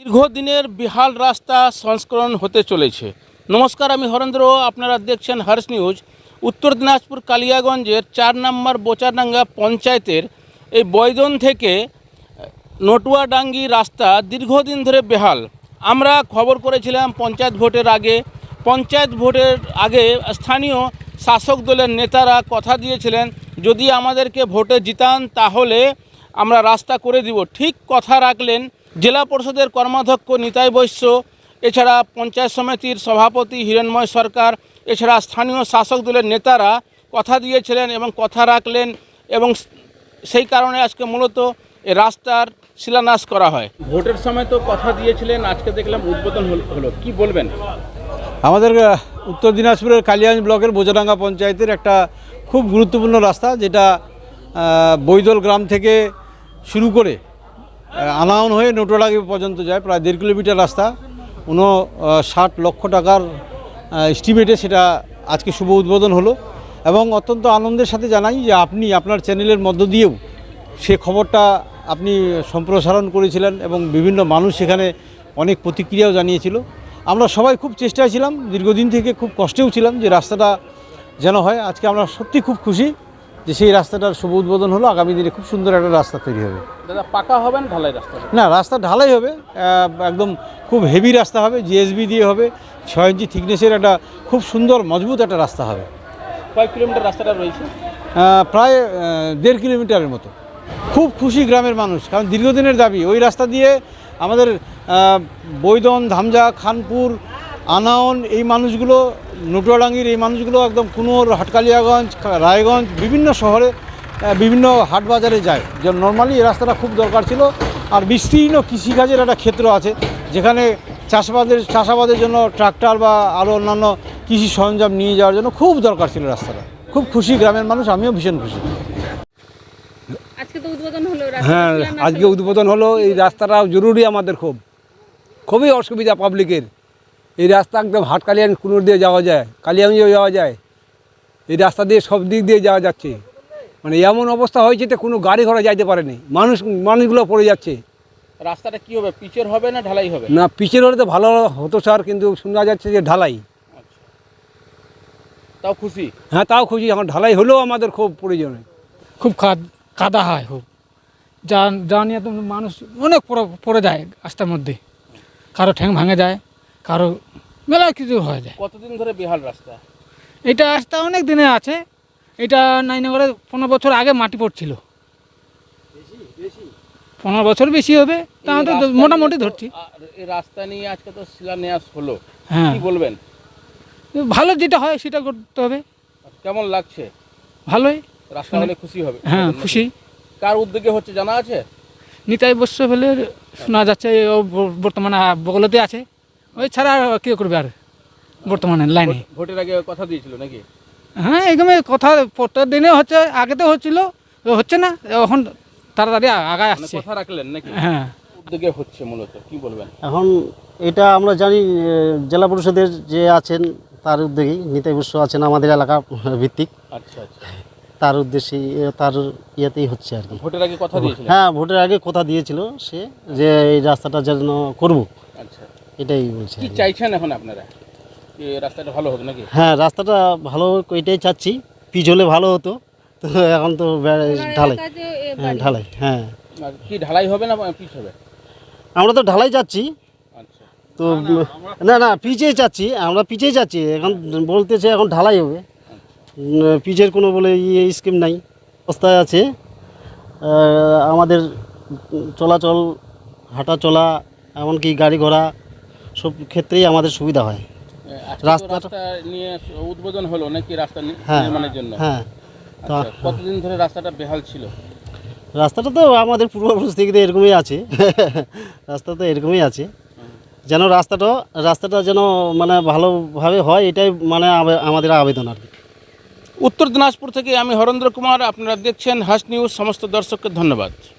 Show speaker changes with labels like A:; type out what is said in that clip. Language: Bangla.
A: দীর্ঘদিনের বেহাল রাস্তা সংস্করণ হতে চলেছে। নমস্কার, আমি হরেন্দ্র, আপনারা দেখছেন হার্স নিউজ। উত্তর দিনাজপুর কালিয়াগঞ্জের 4 নম্বর বোচাডাঙ্গা পঞ্চায়েতের এই বৈদন থেকে নটুয়াডাঙ্গি রাস্তা দীর্ঘদিন ধরে বেহাল। আমরা খবর করেছিলাম পঞ্চায়েত ভোটের আগে স্থানীয় শাসক দলের নেতারা কথা দিয়েছিলেন, যদি আমাদেরকে ভোটে জিতান তাহলে আমরা রাস্তা করে দিব। ঠিক কথা রাখলেন। জেলা পরিষদের কর্মাধ্যক্ষ নিতাই বৈশ্য, এছাড়া পঞ্চায়েত সমিতির সভাপতি হিরণময় সরকার, এছাড়া স্থানীয় শাসক দলের নেতারা কথা দিয়েছিলেন এবং কথা রাখলেন, এবং সেই কারণে আজকে মূলত এই রাস্তার শিলান্যাস করা হয়। ভোটের সময় তো কথা দিয়েছিলেন, আজকে দেখলাম উদ্বোধন হলো, কি বলবেন?
B: আমাদের উত্তর দিনাজপুরের কালিয়াগঞ্জ ব্লকের বোচাডাঙ্গা পঞ্চায়েতের একটা খুব গুরুত্বপূর্ণ রাস্তা, যেটা বৈদল গ্রাম থেকে শুরু করে আনাউন হয়ে নটুয়াডাঙ্গি পর্যন্ত যায়, প্রায় 1.5 কিলোমিটার রাস্তা। 59 লক্ষ টাকার এস্টিমেটে সেটা আজকে শুভ উদ্বোধন হলো। এবং অত্যন্ত আনন্দের সাথে জানাই যে আপনি আপনার চ্যানেলের মধ্য দিয়েও সে খবরটা আপনি সম্প্রসারণ করেছিলেন এবং বিভিন্ন মানুষ সেখানে অনেক প্রতিক্রিয়াও জানিয়েছিল। আমরা সবাই খুব চেষ্টায় ছিলাম, দীর্ঘদিন থেকে খুব কষ্টেও ছিলাম যে রাস্তাটা যেন হয়। আজকে আমরা সত্যি খুব খুশি যে সেই রাস্তাটার শুভ উদ্বোধন হলো। আগামী দিনে খুব সুন্দর একটা রাস্তা তৈরি হবে।
A: দাদা, পাকা হবে না ঢালাই রাস্তা?
B: না, রাস্তা ঢালাই হবে, একদম খুব হেভি রাস্তা হবে, জিএসবি দিয়ে হবে, 6 ইঞ্চি থিকনেসের একটা খুব সুন্দর মজবুত একটা রাস্তা হবে।
A: কয় কিলোমিটার রাস্তাটা রয়েছে?
B: প্রায় 1.5 কিলোমিটারের মতো। খুব খুশি গ্রামের মানুষ, কারণ দীর্ঘদিনের দাবি ওই রাস্তা দিয়ে আমাদের বৈদন, ধামজা, খানপুর, আনাউন এই মানুষগুলো, নটুয়াডাঙ্গির এই মানুষগুলো একদম কুনোর, হাটকালিয়াগঞ্জ, রায়গঞ্জ বিভিন্ন শহরে বিভিন্ন হাট বাজারে যায়। যে নর্মালি এই রাস্তাটা খুব দরকার ছিল। আর বিস্তীর্ণ কৃষিকাজের একটা ক্ষেত্র আছে, যেখানে চাষাবাদের জন্য ট্রাক্টর বা আরও অন্যান্য কৃষি সরঞ্জাম নিয়ে যাওয়ার জন্য খুব দরকার ছিল রাস্তাটা। খুব খুশি গ্রামের মানুষ, আমিও ভীষণ খুশি।
C: হ্যাঁ, আজকে উদ্বোধন হলো। এই রাস্তাটা জরুরি আমাদের, খুবই অসুবিধা পাবলিকের। এই রাস্তা একদম হাটকালিয়ান কুনোর দিয়ে যাওয়া যায়, কালিয়াগঞ্জেও যাওয়া যায়। এই রাস্তা দিয়ে সব দিক দিয়ে যাওয়া যাচ্ছে, মানে এমন অবস্থা হয়েছে যে কোনো গাড়ি ঘোড়া যাইতে পারেনি, মানুষগুলো পড়ে যাচ্ছে।
A: রাস্তাটা কি হবে, পিচের হবে না ঢালাই হবে?
C: না, পিচের হলে তো ভালো হতো স্যার, কিন্তু শোনা যাচ্ছে যে ঢালাই।
A: তাও খুশি?
C: হ্যাঁ, তাও খুশি। এখন ঢালাই হলেও আমাদের খুব প্রয়োজন।
D: খুব কাদা হয়, খুব যা নিয়ে তো মানুষ অনেক পড়ে যায় রাস্তার মধ্যে। কারো ঠ্যাং ভাঙে যায়, কারো মেলা কিছু হয়ে যায়।
A: কতদিন ধরে বেহাল রাস্তা?
D: এটা রাস্তা অনেক দিনে আছে। এটা নাইনগরে 15 বছর আগে মাটি পড়ছিল। 15 বছর বেশি হবে, তাহলে তো মোটামুটি ধরছি।
A: এই রাস্তা নিয়ে আজকে তো শিলান্যাস হলো,
D: হ্যাঁ,
A: কি বলবেন?
D: ভালো যেটা হয় সেটা করতে হবে।
A: কেমন লাগছে?
D: ভালোই,
A: রাস্তা হলে খুশি হবে?
D: হ্যাঁ, খুশি।
A: কার উদ্যোগে হচ্ছে জানা আছে?
D: নিতাই বস্য ফেলে শোনা যাচ্ছে, ও বর্তমানে বগলতে আছে। ওই ছাড়া আর কেউ করবে আর বর্তমানে লাইনে?
A: ভোটের আগে কথা দিয়েছিল নাকি?
D: হ্যাঁ, এখানে কথা প্রত্যেক দিনে হচ্ছে, আগে তো হচ্ছিল, হচ্ছে না এখন তাড়াতাড়ি আগায় আসছে।
A: কথা রাখলেন নাকি?
D: হ্যাঁ,
A: উদ্যোগে হচ্ছে মূলত, কি বলবেন?
E: এখন এটা আমরা জানি জেলা পরিষদের যে আছেন তার উদ্যোগেই, নিতাই বস্য আছেন আমাদের এলাকা ভিত্তিক।
A: আচ্ছা আচ্ছা,
E: তার উদ্দেশ্যেই, তার ইয়েতেই হচ্ছে আর কি।
A: ভোটের আগে কথা দিয়েছিল?
E: হ্যাঁ, ভোটের আগে কথা দিয়েছিল সে, যে এই রাস্তাটা যেন করব।
A: আচ্ছা,
E: এটাই বলছে।
A: কি চাইছেন এখন আপনারা? রাস্তাটা ভালো হবে নাকি?
E: হ্যাঁ, রাস্তাটা ভালো হোক এটাই চাচ্ছি। পিচ হলে ভালো হতো, তো এখন তো ঢালাই। হ্যাঁ, ঢালাই। হ্যাঁ,
A: কি ঢালাই হবে না পিচ হবে?
E: আমরা তো ঢালাই চাচ্ছি।
A: আচ্ছা,
E: তো না পিচেই চাচ্ছি, আমরা পিচেই চাচ্ছি। এখন বলতেছে এখন ঢালাই হবে, পিচের কোনো বলে স্কিম নাই। অবস্থায় আছে আমাদের চলাচল, হাঁটা চলা, এমনকি গাড়ি ঘোড়া সব ক্ষেত্রেই আমাদের সুবিধা হয়।
A: রাস্তা নিয়ে উদ্বোধন হলো নাকি রাস্তা নির্মাণের জন্য?
E: হ্যাঁ।
A: তো কতদিন ধরে রাস্তাটা বেহাল ছিল?
E: রাস্তাটা তো আমাদের পূর্বপুরুষ থেকে এরকমই আছে। রাস্তা তো এরকমই আছে, যেন রাস্তাটা যেন মানে ভালোভাবে হয়, এটাই মানে আমাদের আবেদন আর কি।
A: উত্তর দিনাজপুর থেকে আমি হরেন্দ্র কুমার, আপনারা দেখছেন হার্স নিউজ। সমস্ত দর্শককে ধন্যবাদ।